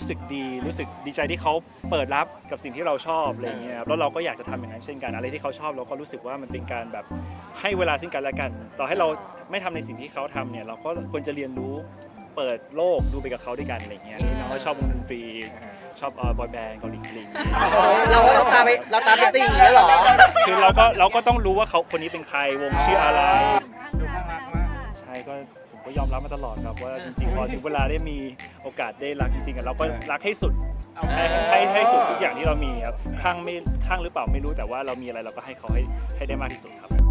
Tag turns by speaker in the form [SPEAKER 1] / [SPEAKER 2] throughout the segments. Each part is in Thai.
[SPEAKER 1] สึกดีใจที่เขาเปิดรับกับสิ่งที่เราชอบอะไรเงี้ยแล้วเราก็อยากจะทำอย่างนั้นเช่นกันอะไรที่เขาชอบเราก็รู้สึกว่ามันเป็นการแบบให้เวลาซึ่งกันและกันต่อให้เราไม่ทำในสิ่งที่เขาทำเนี่ยเราก็ควรจะเรียนรู้เปิดโลกดูไปกับเขาด้วยกันอะไรเงี้ยน้องก็ชอบวงดนตรีชอบบอยแบนด์เกาหลีกลิง
[SPEAKER 2] เราตามไปติ่งแล้วเหรอ
[SPEAKER 1] คือเราก็ต้องรู้ว่าเขาคนนี้เป็นใครวงชื่ออะไร
[SPEAKER 3] ดูข้างรักมาก
[SPEAKER 1] ใช่ก็ผมก็ยอมรับมาตลอดครับว่าจริงๆพอถึงเวลาได้มีโอกาสได้รักจริงๆเราก็รักให้สุดให้สุดทุกอย่างที่เรามีครับข้างหรือเปล่าไม่รู้แต่ว่าเรามีอะไรเราก็ให้เขาให้ได้มากที่สุดครับ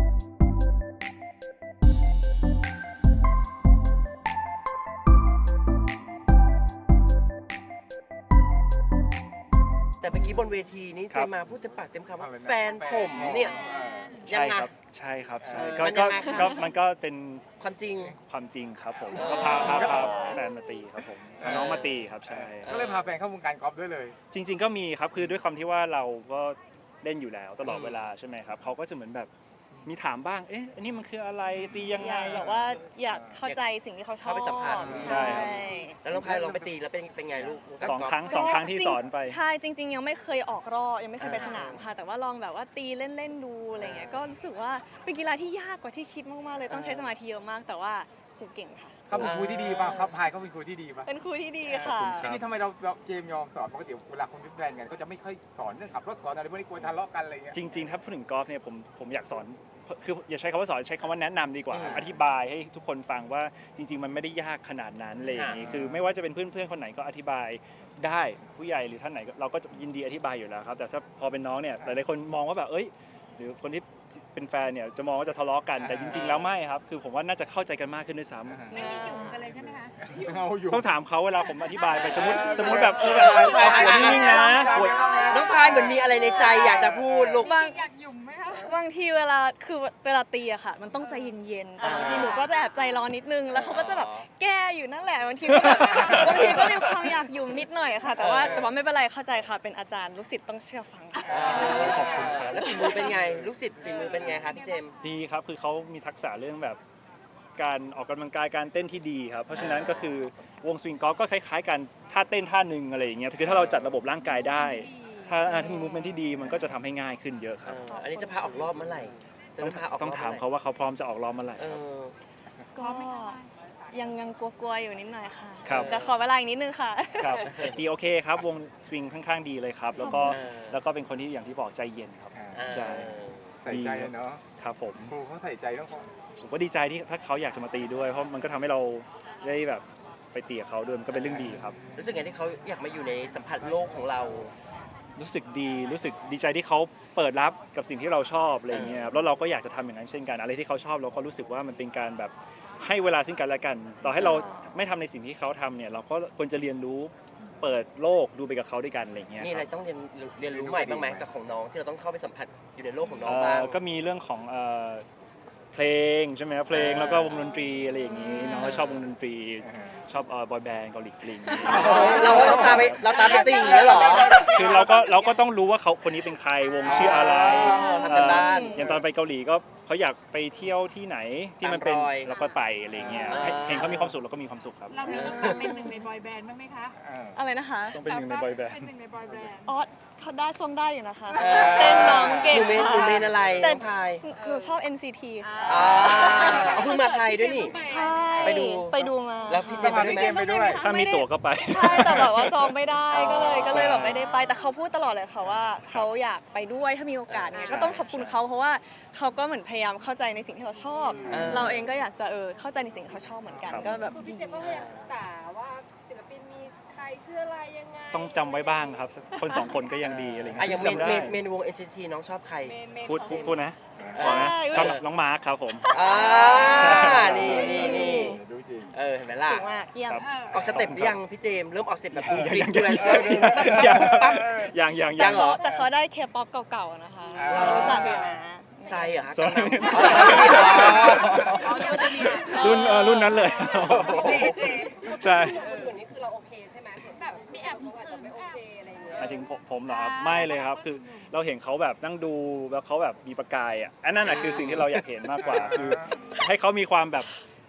[SPEAKER 2] แต่เมื่อกี้บนเวทีนี้เจมาพูดเต็มปากเต็มคำว่าแฟนผมเนี่ย
[SPEAKER 1] ใช่ครับใช่ก็มันก็เป็น
[SPEAKER 2] ความจริง
[SPEAKER 1] ครับผมก็พาแฟนมาตีครับผมน้องมาตีครับใช่
[SPEAKER 3] ก็เลยพาแฟนเข้าวงการกอล์ฟด้วยเลย
[SPEAKER 1] จริงๆก็มีครับคือด้วยความที่ว่าเราก็เล่นอยู่แล้วตลอดเวลาใช่ไหมครับเขาก็จะเหมือนแบบมีถามบ้างอันนี้มันคืออะไรตียังไง
[SPEAKER 4] แบบว่าอยากเข้าใจสิ่งที่เขาชอบ
[SPEAKER 2] ไปสัมผัส
[SPEAKER 1] ใช่
[SPEAKER 2] แล้วน้องพายลองไปตีแล้วเป็นไงลูก
[SPEAKER 1] สองครั้งที่สอนไป
[SPEAKER 4] ใช่จริงๆยังไม่เคยออกรอบยังไม่เคยไปสนามค่ะแต่ว่าลองแบบว่าตีเล่นดูอะไรเงี้ยก็รู้สึกว่าเป็นกีฬาที่ยากกว่าที่คิดมากๆเลยต้องใช้สมาธิเยอะมากแต่ว่าครูเก่งค่ะ
[SPEAKER 3] เขาเป็นครูที่ดีป่ะครับพายเขาเป็นครูที่ดีป่ะ
[SPEAKER 4] เป็นครูที่ดีค่ะ
[SPEAKER 3] ทีนี้ทำไมเราเจมยอมสอนปกติเวลาคนเป็นแฟนกันก็จะไม่ค่อยสอนเรื่องขับรถสอนอะไรพวกนี้กลัวทะเลาะกันอะไรเงี้ย
[SPEAKER 1] จริงๆถ้าพูดถึงกอล์ฟเนี่ยผมอยากสอนคืออย่าใช้คำว่าสอนใช้คำว่าแนะนำดีกว่าอธิบายให้ทุกคนฟังว่าจริงๆมันไม่ได้ยากขนาดนั้นเลยอย่างนี้คือไม่ว่าจะเป็นเพื่อนๆคนไหนก็อธิบายได้ผู้ใหญ่หรือท่านไหนเราก็ยินดีอธิบายอยู่แล้วครับแต่ถ้าพอเป็นน้องเนี่ยหลายๆคนมองว่าแบบหรือคนที่เป็นแฟนเนี่ยจะมองว่าจะทะเลาะกันแต่จริงๆแล้วไม่ครับคือผมว่าน่าจะเข้าใจกันมากขึ้นด้วยซ้ำ
[SPEAKER 5] ไม่ยุ่งกันเลยใช่ไหมคะ
[SPEAKER 1] ต้องถามเขาเวลาผมอธิบายไปสมมติแบบแบบนิ่งๆนะ
[SPEAKER 2] น้องพายเหมือนมีอะไรในใจอยากจะพูดลูก
[SPEAKER 5] อยากยุ่งไหมคะ
[SPEAKER 4] บางทีเวลาตีอะค่ะมันต้องใจเย็นๆแต่บางทีหนูก็จะแอบใจร้อนนิดนึงแล้วเขาก็จะแบบแก้อยู่นั่นแหละบางทีก็มีความอยากยุ่งนิดหน่อยค่ะแต่ว่าไม่เป็นไรเข้าใจค่ะเป็นอาจารย์ลูกศิษย์ต้องเชื่อฟังค่ะ
[SPEAKER 1] ขอบคุณครับ
[SPEAKER 2] แล้วฝีมือเป็นไงลูกศิษย์ฝีมือเป็นไงคะพี่เจม
[SPEAKER 1] ดีครับคือเขามีทักษะเรื่องแบบการออกกำลังกายการเต้นที่ดีครับเพราะฉะนั้นก็คือวงสวิงกอล์ฟก็คล้ายๆกันท่าเต้นท่าหนึ่งอะไรอย่างเงี้ยคือถ้าเราจัดระบบร่างกายได้ถ้ามีมูฟเมนท์ที่ดีมันก็จะทำให้ง่ายขึ้นเยอะครับ
[SPEAKER 2] อันนี้จะพาออกรอบเมื่อไหร่
[SPEAKER 1] ต้องถามเขาว่าเขาพร้อมจะออกรอบเมื่อไหร่
[SPEAKER 4] ก็ยังกลัวๆอยู่นิดหน่อยค่ะ
[SPEAKER 1] ครับ
[SPEAKER 4] แต่ขอเวลาอีกนิดนึงค่ะ
[SPEAKER 1] ครับดีโอเคครับวงสวิงค่อนข้างดีเลยครับแล้วก็เป็นคนที่อย่างที่บอกใจเย็นครับใช่
[SPEAKER 3] ใส่ใจเนาะ
[SPEAKER 1] ครับผม
[SPEAKER 3] ครูเขาใส่ใจต้อง
[SPEAKER 1] ผมก็ดีใจที่ถ้าเขาอยากจะมาตีด้วยเพราะมันก็ทำให้เราได้แบบไปตีกับเขาด้วยมันก็เป็นเรื่องดีครับ
[SPEAKER 2] รู้สึกไงที่เขาอยากมาอยู่ในสัมผัสโลกของเรา
[SPEAKER 1] รู้สึกดีใจที่เขาเปิดรับกับสิ่งที่เราชอบอะไรเงี้ยแล้วเราก็อยากจะทำอย่างนั้นเช่นกันอะไรที่เขาชอบเราก็รู้สึกว่ามันเป็นการแบบให้เวลาซึ่งกันและกันต่อให้เราไม่ทำในสิ่งที่เขาทำเนี่ยเราก็ควรจะเรียนรู้เปิดโลกดูไปกับเขาด้วยกันอะไรเงี้ย
[SPEAKER 2] มีอะไรต้องเรียนรู้ใหม่บ้างไหมกับของน้องที่เราต้องเข้าไปสัมผัสอยู่ในโลกของน้องบ้าง
[SPEAKER 1] ก็มีเรื่องของเพลงใช่ไหมครับเพลงแล้วก็วงดนตรีอะไรอย่างนี้น้องก็ชอบวงดนตรีชอบบอยแบนด์เกาหลีกลิง
[SPEAKER 2] เราตามไปติ่งแล้วเหรอ
[SPEAKER 1] คือเราก็ต้องรู้ว่าเขาคนนี้เป็นใครวงชื่ออะไรอย่างตอนไปเกาหลีก็เขาอยากไปเที่ยวที่ไหนที่มันเป็นเราก็ไปอะไรเงี้ยเห็นเขามีความสุขเราก็มีความสุขครับ
[SPEAKER 5] เรามีเป็นหนึ่งในบอยแบนด์บ้างไหมคะ
[SPEAKER 4] อะไรนะคะ
[SPEAKER 1] ต้องเป็นหนึ่งในบอยแบนด์
[SPEAKER 4] อ๋อเขาได้ทรงได้อยู่นะคะเต้นน้องเก่ง
[SPEAKER 2] หนูเมนอะไรน้องพาย
[SPEAKER 4] หนูชอบ NCT ค่ะ
[SPEAKER 2] เพิ่งมาไทยด้วยนี่
[SPEAKER 4] ใช่ไปดูมา
[SPEAKER 2] แล้วพี่เจม
[SPEAKER 3] ไปด้วย
[SPEAKER 1] ถ้ามีตั๋วก็ไป
[SPEAKER 4] ใช่แต่แบบว่าจองไม่ได้ก็เลยแบบไม่ได้ไปแต่เขาพูดตลอดเลยค่ะว่าเขาอยากไปด้วยถ้ามีโอกาสเนี่ยก็ต้องขอบคุณเขาเพราะว่าเขาก็เหมือนพยายามเข้าใจในสิ่งที่เราชอบเราเองก็อยากจะเข้าใจในสิ่งที่เขาชอบเหมือนกันก็แบบ
[SPEAKER 5] พี่เจมก็พยายามศึกษาว่าศิลปินมีใครชื่ออะไรยังไง
[SPEAKER 1] ต้องจำไว้บ้างครับคน2คนก็ยังดีอะไรเงี้ย
[SPEAKER 2] อย่างเมนวง NCT น้องชอบใคร
[SPEAKER 1] พูดนะชอบน้องมาร์คครับผม
[SPEAKER 2] นี่เห็นไหมล่ะออกสเต็ปหรือยังพี่เจมเริ่มออกสเต็ปแบบ
[SPEAKER 1] ยัง
[SPEAKER 4] เหรอแต่เขาได้เคป๊อปเก่าๆนะคะเรารู้จักอยู่นะ
[SPEAKER 2] ไซเหรอ
[SPEAKER 1] รุ่นนั้นเลยใช่
[SPEAKER 5] คนนี้คือเราโอเคใช่ไหมแบบมีแอบเขาอาจจะไม่โอเคอะไรอย่างเงี้ย
[SPEAKER 1] มาถึงผมเหรอครับไม่เลยครับคือเราเห็นเขาแบบนั่งดูแล้วเขาแบบมีประกายอันนั้นคือสิ่งที่เราอยากเห็นมากกว่าคือให้เขามีความแบบ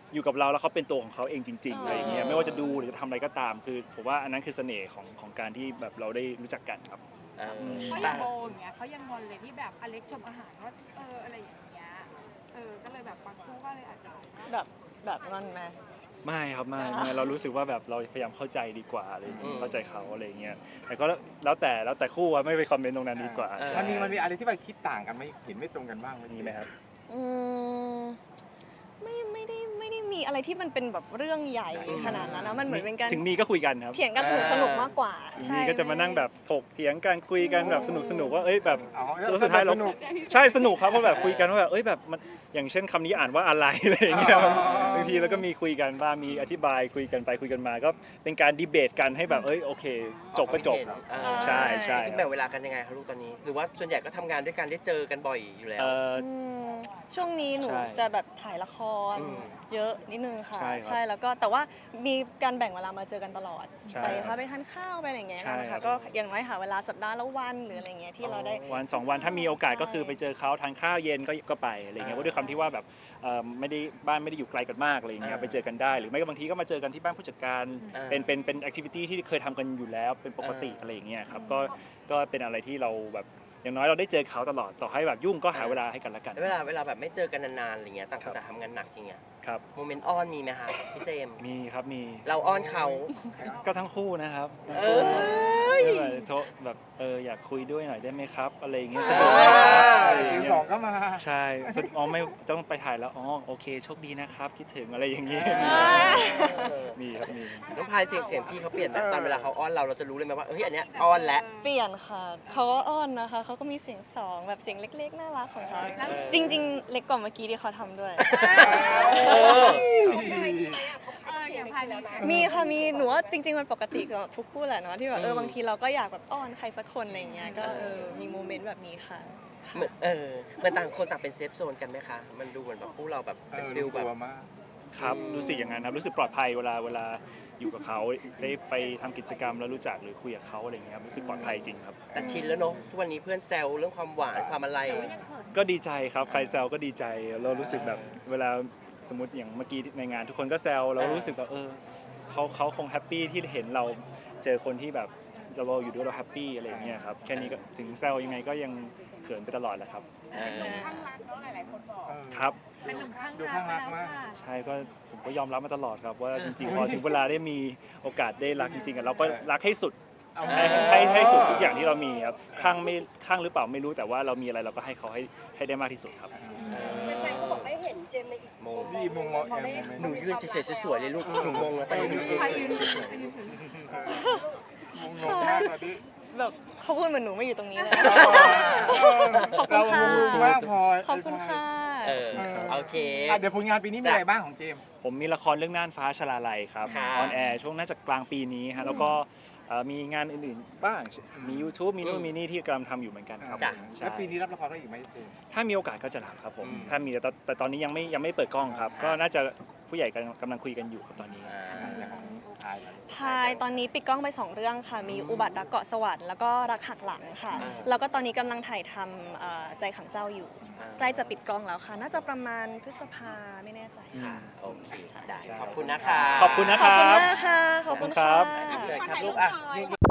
[SPEAKER 1] อยู่กับเราแล้วเขาเป็นตัวของเขาเองจริงๆอะไรอย่างเงี้ยไม่ว่าจะดูหรือจะทำอะไรก็ตามคือผมว่าอันนั้นคือเสน่ห์ของการที่แบบเราได้รู้จักกันครับ
[SPEAKER 5] เขาอย่างโบอย่างเงี้ยเขายังงอนเลยที่แบบอเล็กชมอาหารว่าอะไรอย่างเงี้ยก็เลยแบบบางคู่ก็เลยอาจจะ
[SPEAKER 4] แบบงอนไหม
[SPEAKER 1] ไม่ครับไม่เรารู้สึกว่าแบบเราพยายามเข้าใจดีกว่าอะไรอย่างเงี้ยเข้าใจเขาอะไรอย่างเงี้ยแต่ก็แล้วแต่คู่อะไม่ไปคอมเมนต์ตรงนั้นดีกว่า
[SPEAKER 3] มันมีอะไรที่ไปคิดต่างกันไหมเห็นไม่ตรงกันบ้างไหม
[SPEAKER 1] มีไหมครับ
[SPEAKER 4] อืมไม่ได้มีอะไรที่มันเป็นแบบเรื่องใหญ่ขนาดนั้นนะมันเหมือนเป็นการ
[SPEAKER 1] ถึงมีก็คุยกันครับ
[SPEAKER 4] เถียงกันสนุกมากกว่า
[SPEAKER 1] ถึง
[SPEAKER 4] ใช่
[SPEAKER 1] มีก็จะมานั่งแบบถกเถียงกันคุยกันแบบสนุกว่าเอ้ยแบบ
[SPEAKER 3] อ๋อ
[SPEAKER 1] สุดท้ายเรา
[SPEAKER 3] สนุก
[SPEAKER 1] ใช่สนุกครับเพราะแบบคุยกันว่าแบบเอ้ยแบบมันอย่างเช่นคำนี้อ่านว่าอะไรอะไรอย่างเงี้ย
[SPEAKER 3] อ๋อ
[SPEAKER 1] บางทีแล้วก็มีคุยกันบ้างมีอธิบายคุยกันไปคุยกันมาก็เป็นการดีเบตกันให้แบบเอ้ยโอเค จบก็จบ ใช่ใช่
[SPEAKER 2] ซึ่งแบ่งเวลากันยังไงคะลูกตอนนี้ หรือว่าส่วนใหญ่ก็ทำงานด้วยกันได้เจอกันบ่อยอยู่แล้ว
[SPEAKER 4] อืมช่วงนี้หนู
[SPEAKER 1] ใช่
[SPEAKER 4] จะแบบถ่ายละคร
[SPEAKER 2] อืม
[SPEAKER 4] เยอะนิดนึงค่ะ
[SPEAKER 1] ใช่ครับ
[SPEAKER 4] ใช่แล้วก็แต่ว่ามีการแบ่งเวลามาเจอกันตลอด
[SPEAKER 1] ใช่
[SPEAKER 4] ไปพาไปทานข้าวไปอะไรอย่างเงี้ย
[SPEAKER 1] ใช่
[SPEAKER 4] นะ
[SPEAKER 1] ครั
[SPEAKER 4] คะ
[SPEAKER 1] บ
[SPEAKER 4] ก็อย่างน้อยหาเวลาสัปดาห์ละวันหรืออะไรเงี้ยที่เราได้
[SPEAKER 1] วันสองวันถ้ามีโอกาสก็คือไปเจอเขาทานข้าวเย็นก็ไปอะไรเงี้ยเพราะด้วยความที่ว่าแบบไม่ได้บ้านไม่ได้อยู่ไกลกันมากอะไรเงี้ยไปเจอกันได้หรือไม่ก็บางทีก็มาเจอกันที่บ้านผู้จัดการเป็นแอคทิวิตี้ที่เคยทำกันอยู่แล้วเป็นปกติอะไรอย่างเงี้ยครับก็เป็นอะไรที่เราแบบอย่างน้อยเราได้เจอเขาตลอดต่อให้แบบยุ่งก็หาเวลาให้กันละกัน
[SPEAKER 2] เวลาแบบไม่เจอกันนานๆอะไรเงี้ยต่างคนต่างทำงานหนักอย่างเงี้ย
[SPEAKER 1] ครับ
[SPEAKER 2] โมเมนต์อ้อนมีไหมคะพี่เจมส์
[SPEAKER 1] มีครับมี
[SPEAKER 2] เราอ้อนเขา
[SPEAKER 1] ก็ทั้งคู่นะครับทั้ง
[SPEAKER 2] เอ
[SPEAKER 1] คู่
[SPEAKER 2] ้ย
[SPEAKER 1] โทรแบบอยากคุยด้วยหน่อยได้ไหมครับอะไรอย่างเงี้ย
[SPEAKER 2] อ่า
[SPEAKER 1] สะดวกไหมครับอะไรอย่าง
[SPEAKER 3] คิว
[SPEAKER 1] เงี้
[SPEAKER 3] ส
[SPEAKER 1] ย
[SPEAKER 3] องก็มา
[SPEAKER 1] ใช่อ๋อไม่ต้องไปถ่ายแล้วอ๋อโอเคโชคดีนะครับคิดถึงอะไรอย่างเงี้ยมีครับมี
[SPEAKER 2] น้องพายเสียงพี่เขาเปลี่ยนไหมตอนเวลาเขาอ้อนเราจะรู้เลยไหมว่าเฮ้ยอันเนี้ยอ้อนแล้ว
[SPEAKER 4] เปลี่ยนค่ะเขาก็อ้อนนะคะเขาก็มีเสียงสองแบบเสียงเล็กๆน่ารักของเขาจริง ๆ เล็กกว่าเมื่อกี้ที่เขาทำด้วย
[SPEAKER 2] เออ
[SPEAKER 5] อย่างพายแล้วนะ
[SPEAKER 4] มีค่ะมีหนูว่าจริง ๆ มันปกติกับทุกคู่แหละเนาะที่แบบบางทีเราก็อยากแบบอ้อนใครสักคนอะไรอย่างเงี้ยก็มีโมเมนต์แบบนี้ค่ะ
[SPEAKER 2] เหมือนต่างคนต่างเป็นเซฟโซนกันไหมคะ มันดูเหมือนแบบคู่เราแบบเป็นฟิลแบบ
[SPEAKER 3] ตัวมาก
[SPEAKER 1] ครับรู้สึกอย่างนั้นครับรู้สึกปลอดภัยเวลาอยู่กับเขาได้ไปทำกิจกรรมแล้วรู้จักหรือคุยกับเขาอะไรอย่างเงี้ยครับรู้สึกปลอดภัยจริงครับ
[SPEAKER 2] แต่ชินแล้วเนอะทุกวันนี้เพื่อนแซวเรื่องความหวานความอะไร
[SPEAKER 1] ก็ดีใจครับใครแซวก็ดีใจเรารู้สึกแบบเวลาสมมติอย่างเมื่อกี้ในงานทุกคนก็แซวเรารู้สึกแบบเขาคงแฮปปี้ที่เห็นเราเจอคนที่แบบเราอยู่ด้วยเราแฮปปี้อะไรอย่างเงี้ยครับแค่นี้ก็ถึงแซวยังไงก็ยังเขินไปตลอดแหละครับ
[SPEAKER 5] เป็นหนุ่มข้างรักเนาะหลายๆคนบอก
[SPEAKER 1] ครับ
[SPEAKER 5] เป็นหนุ่มข้าง
[SPEAKER 3] ดู
[SPEAKER 5] รั
[SPEAKER 3] ข้าก งรักมาก
[SPEAKER 5] ค่ะ
[SPEAKER 1] ใช่ก็ผมก็ยอมรับมาตลอดครับว่าจริงๆพอถึงเวลาได้มีโอกาสได้รักจริงๆอะเราก็รักให้สุด
[SPEAKER 3] เอา
[SPEAKER 1] ให้สุดทุกอย่างที่เรามีครับข้างหรือเปล่าไม่รู้แต่ว่าเรามีอะไรเราก็ให้เขาให้ได้มากที่สุดครับ
[SPEAKER 5] แฟนๆก็บอกได้เห็นเจมในอีก
[SPEAKER 2] โม
[SPEAKER 3] นี่มุมมอง
[SPEAKER 2] หนูยืนเฉยๆสวยๆเลยลูก หนูงงแล้วตอนนี้หนูยืน
[SPEAKER 5] พายยืน
[SPEAKER 2] สวย
[SPEAKER 3] มุมมองมากตอนนี้
[SPEAKER 4] แบบเขาพูดเหมือนหนูไม่อยู่ตรงนี้เลย ขอบคุ
[SPEAKER 3] เรา
[SPEAKER 4] ณค่ะ
[SPEAKER 3] มุมมากพอ
[SPEAKER 4] ขอบคุณค่ะ
[SPEAKER 2] โอเค
[SPEAKER 3] เดี๋ยวผลงานปีนี้มีอะไรบ้างของเจมส์
[SPEAKER 1] ผมมีละครเรื่องน่านฟ้าชลาลัยครับ
[SPEAKER 2] ค่ะ
[SPEAKER 1] ออนแอร์ช่วงน่าจะกลางปีนี้ฮะแล้วก็มีงานอื่นๆบ้างมี YouTube มีนู่นมีนี่ที่กำลังทำอยู่เหมือนกันครับ
[SPEAKER 2] จ้ะ
[SPEAKER 1] ใช่
[SPEAKER 3] แล้วปีนี้รับละครได้อีกไหมเจมส์
[SPEAKER 1] ถ้ามีโอกาสก็จะรับครับผม
[SPEAKER 2] อืม
[SPEAKER 1] ถ้ามีแต่ตอนนี้ยังไม่เปิดกล้องครับ ก็น่าจะผู้ใหญ่กำลังคุยกันอยู่ครับตอนนี้
[SPEAKER 3] อย่างของไทย
[SPEAKER 4] พายตอนนี้ปิดกล้องไป 2 เรื่องค่ะ มีอุบัติรักเกาะสวรรค์แล้วก็รักหักหลังค่ะ แล้วก็ตอนนี้กำลังถ่ายทำใจขังเจ้าอยู่ ใกล้จะปิดกล้องแล้วค่ะ น่าจะประมาณพฤษภาไม่แน่ใจค่ะ
[SPEAKER 2] โอเคได้
[SPEAKER 1] ใช่
[SPEAKER 2] ขอบคุณนะคะ
[SPEAKER 1] ขอบคุณนะ
[SPEAKER 4] ข
[SPEAKER 1] ค
[SPEAKER 4] อบ
[SPEAKER 1] รับ
[SPEAKER 4] คุณมากค่ะ ขอบคุณ
[SPEAKER 1] ครั
[SPEAKER 4] ค่ะ
[SPEAKER 1] บ
[SPEAKER 2] อินเสิร์ตครับลูกอ่ะ